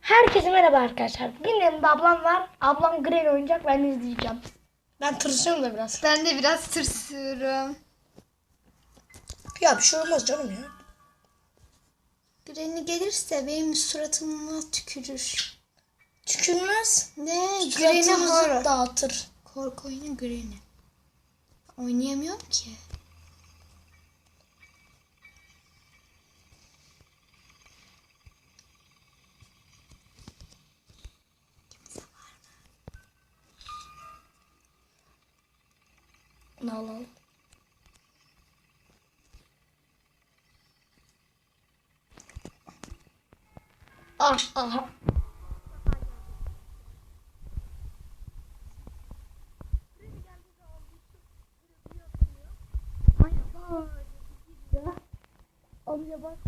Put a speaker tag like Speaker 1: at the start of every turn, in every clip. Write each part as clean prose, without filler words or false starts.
Speaker 1: Herkese merhaba arkadaşlar. Bugün yanımda ablam var. Ablam Granny oynayacak, ben izleyeceğim. Ben tırsıyorum da biraz.
Speaker 2: Ben de biraz tırsıyorum.
Speaker 1: Ya bir şey olmaz canım ya.
Speaker 2: Granny gelirse benim suratıma tükürür.
Speaker 1: Tükürmez.
Speaker 2: Ne? Granny
Speaker 1: Suratımızı
Speaker 2: horror.
Speaker 1: dağıtır.
Speaker 2: Korku oyunu Granny. Oynayamıyorum ki.
Speaker 1: Bunu alalım. Ah ah. Amca bak.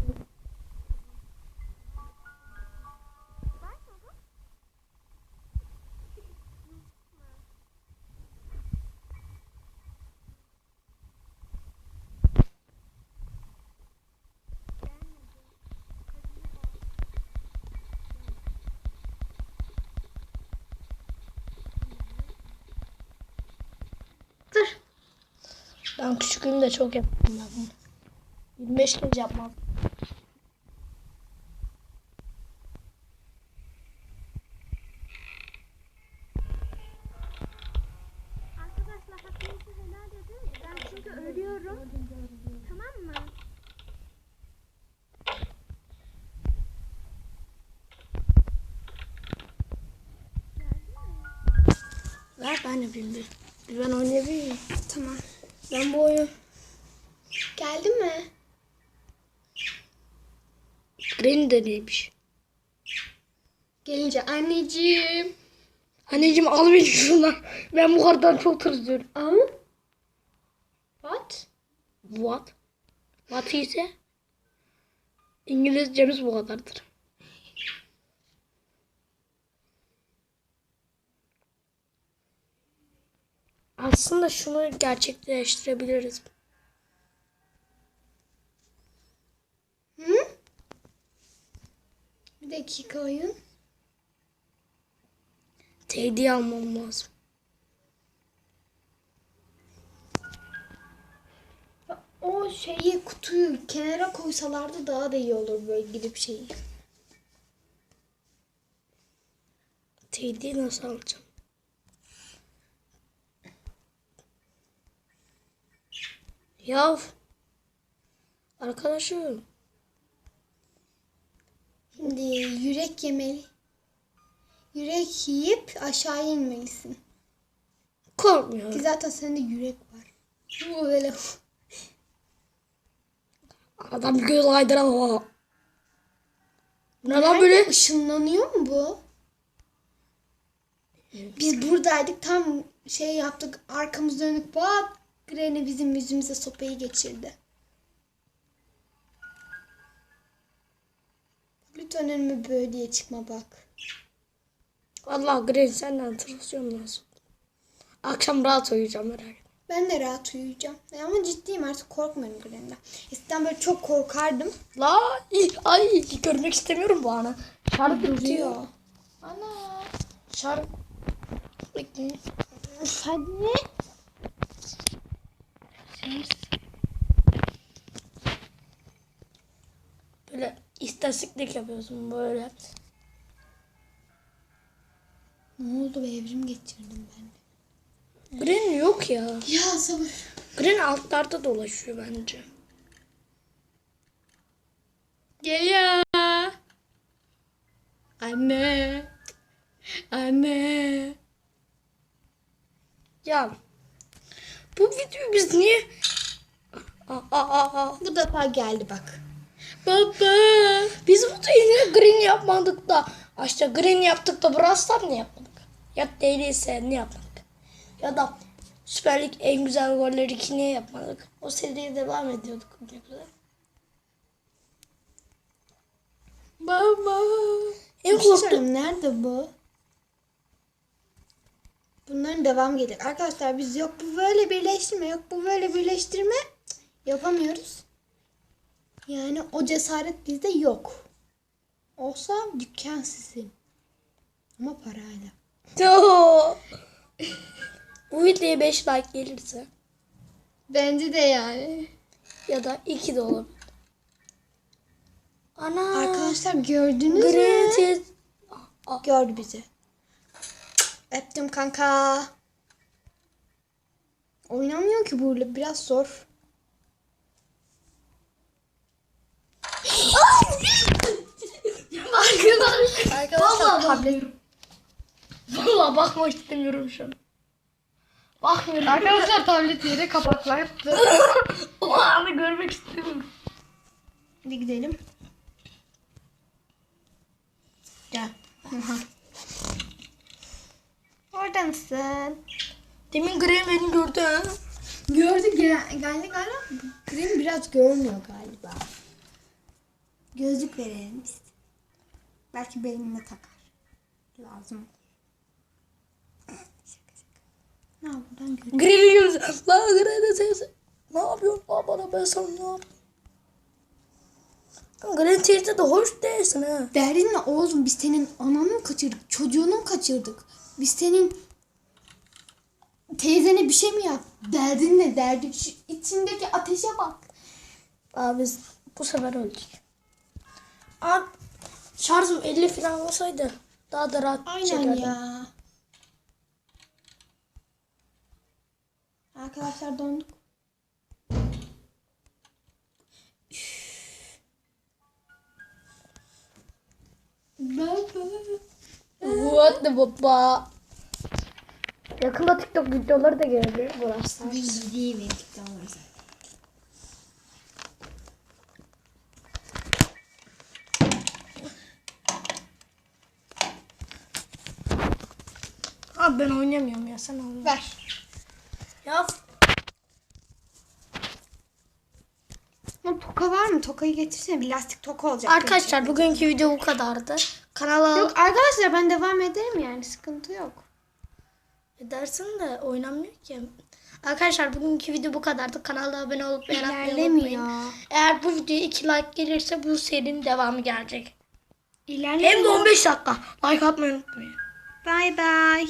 Speaker 2: Dur.
Speaker 1: Ben küçüklüğümde çok yaptım ben bunu. 25 kez yapmam.
Speaker 3: Arkadaşlar hakkınızı helal edin. Ben çünkü ölüyorum. Tamam mı?
Speaker 1: Ver ben yapayım bir. Ben oynayabilirim.
Speaker 2: Tamam.
Speaker 1: Ben bu oyunu
Speaker 2: Geldi mi?
Speaker 1: Granny de neymiş?
Speaker 2: Gelince anneciğim.
Speaker 1: Anneciğim al beni şuradan. Ben bu kardan çok tırsıyorum.
Speaker 2: Al. What?
Speaker 1: What? What ise İngilizcemiz bu kadardır. Aslında şunu gerçekleştirebiliriz.
Speaker 2: Hı? Bir dakika oyun.
Speaker 1: Teddy almam lazım.
Speaker 2: O şeyi kutuyu kenara koysalardı daha da iyi olur böyle gidip şeyi.
Speaker 1: Teddy'yi nasıl alacağım? Yav. Arkadaşım.
Speaker 2: Şimdi yürek yemeli. Yürek yiyip aşağı inmelisin.
Speaker 1: Korkmuyorum.
Speaker 2: Ki zaten sende yürek var. Bu böyle.
Speaker 1: Adam göz aydıramam. Ne lan
Speaker 2: Nerede?
Speaker 1: böyle?
Speaker 2: Işınlanıyor mu bu? Biz buradaydık tam şey yaptık arkamız dönük bak Granny bizim yüzümüze sopayı geçirdi. Lütfen önüme böyle diye çıkma bak.
Speaker 1: Allah Granny senden tırsıyorum nasıl? Akşam rahat uyuyacağım merak etme.
Speaker 2: Ben de rahat uyuyacağım. Ama ciddiyim artık korkmuyorum Granny'den. Eskiden böyle çok korkardım.
Speaker 1: La ay görmek istemiyorum bu anı. Şarj bitiyor.
Speaker 2: Ana.
Speaker 1: Şarj. Bekle.
Speaker 2: Hadi.
Speaker 1: Böyle istatistik yapıyorsun böyle.
Speaker 2: Ne oldu be evrim geçirdim ben de.
Speaker 1: Granny yok ya.
Speaker 2: Ya sabır.
Speaker 1: Granny altlarda dolaşıyor bence.
Speaker 2: Geliyor. Anne. Anne.
Speaker 1: Ya bu videoyu biz niye...
Speaker 2: Bu defa geldi bak. Baba.
Speaker 1: Biz bu niye Granny yapmadık da... İşte Granny yaptık da Brawl Stars ne yapmadık? Ya değilse ne yapmadık? Ya da Süper Lig en güzel golleri ki niye yapmadık? O seriye devam ediyorduk. Ne güzel.
Speaker 2: Baba.
Speaker 1: En
Speaker 2: Bir şey
Speaker 1: korktuğum...
Speaker 2: söyleyeyim, nerede bu? Bunların devam gelir. Arkadaşlar biz yok bu böyle birleştirme, yok bu böyle birleştirme yapamıyoruz. Yani o cesaret bizde yok. Olsa dükkan sizin. Ama parayla.
Speaker 1: Yo. Bu videoya 5 like gelirse
Speaker 2: Bence de yani.
Speaker 1: ya da 2 de olabilir. Ana.
Speaker 2: Arkadaşlar gördünüz mü?
Speaker 1: Green
Speaker 2: Gördü bizi. Öptüm kanka. Oynamıyor ki burada. Biraz zor. Arkadaşlar tablet.
Speaker 1: Valla bakmak istemiyorum şu an. Bakmıyorum.
Speaker 2: Arkadaşlar tablet yere kapaklar yaptı.
Speaker 1: O anı görmek istemiyorum.
Speaker 2: Hadi gidelim. Gel. Orada mısın?
Speaker 1: Demin Green beni gördü ha.
Speaker 2: Gördü galiba. Green biraz görmüyor galiba. Gözlük verelim biz. Belki beynine takar. Lazım. Şaka. Ne buradan görüyor.
Speaker 1: Green'i gördü. La Green'i teyze. Ne yapıyorsun? Aa, bana ben sana ne yapayım? Green teyze de hoş değilsin ha.
Speaker 2: Derdin ne oğlum? Biz senin ananı mı kaçırdık? Çocuğunu mu kaçırdık? Biz senin teyzene bir şey mi yap? Derdin ne derdi? Şu içindeki ateşe bak.
Speaker 1: Abi biz bu sefer öldük. Abi şarjım 50 falan olsaydı daha da rahat
Speaker 2: Aynen
Speaker 1: çekerdim.
Speaker 2: ya. Arkadaşlar döndük.
Speaker 1: What the baba. Yakında TikTok videoları da gelebilir burası.
Speaker 2: Bildiği ve TikTok'lar zaten.
Speaker 1: Abi ben oynamıyorum ya, sen oyna.
Speaker 2: Ver.
Speaker 1: Ya
Speaker 2: Toka var mı? Tokayı getirsene. Bir lastik toka olacak.
Speaker 1: arkadaşlar bugünkü video bu kadardı. Kanala
Speaker 2: Yok arkadaşlar ben devam ederim yani. Sıkıntı yok.
Speaker 1: edersin de oynamıyor ki. Arkadaşlar bugünkü video bu kadardı. Kanala abone olup beğenmeyi
Speaker 2: İlerlemiyor.
Speaker 1: unutmayın. Eğer bu videoya 2 like gelirse bu serinin devamı gelecek.
Speaker 2: İlerlemiyor.
Speaker 1: Hem de 15 dakika. Like atmayı unutmayın.
Speaker 2: Bye bye.